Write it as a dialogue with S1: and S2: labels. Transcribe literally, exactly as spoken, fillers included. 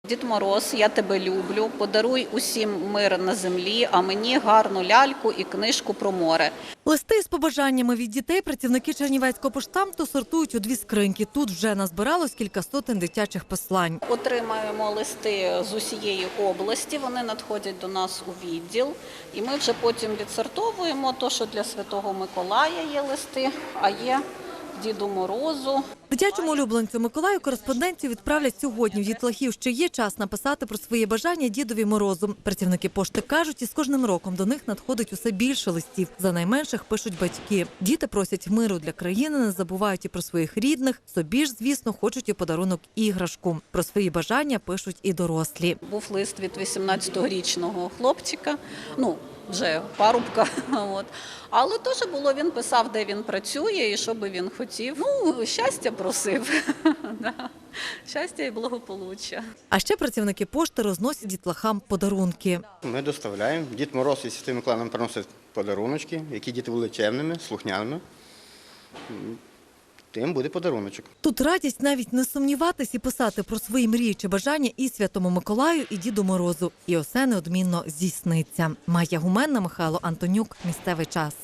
S1: Дід Мороз, я тебе люблю, подаруй усім мир на землі, а мені гарну ляльку і книжку про море.
S2: Листи з побажаннями від дітей працівники Чернівецького поштамту сортують у дві скриньки. Тут вже назбиралось кілька сотень дитячих послань.
S1: Отримаємо листи з усієї області, вони надходять до нас у відділ. І ми вже потім відсортовуємо те, що для Святого Миколая є листи, а є Діду Морозу.
S2: Дитячому улюбленцю Миколаю кореспонденцію відправлять сьогодні. В дітлахів ще є час написати про свої бажання Дідові Морозу. Працівники пошти кажуть, із кожним роком до них надходить усе більше листів. За найменших пишуть батьки. Діти просять миру для країни, не забувають і про своїх рідних. Собі ж, звісно, хочуть і подарунок іграшку. Про свої бажання пишуть і дорослі.
S1: Був лист від вісімнадцятирічного хлопчика, ну, вже парубка. От. Але теж було, він писав, де він працює і що би він хотів. Ну, щастя просив. Щастя і благополуччя.
S2: А ще працівники пошти розносять дітлахам подарунки.
S3: Ми доставляємо. Дід Мороз і Святий Миколай нам приносять подаруночки, які діти були чемними, слухняними. Тим буде подаруночок.
S2: Тут радість навіть не сумніватись і писати про свої мрії чи бажання і Святому Миколаю, і Діду Морозу. І усе неодмінно здійсниться. Майя Гуменна, Михайло Антонюк. Місцевий час.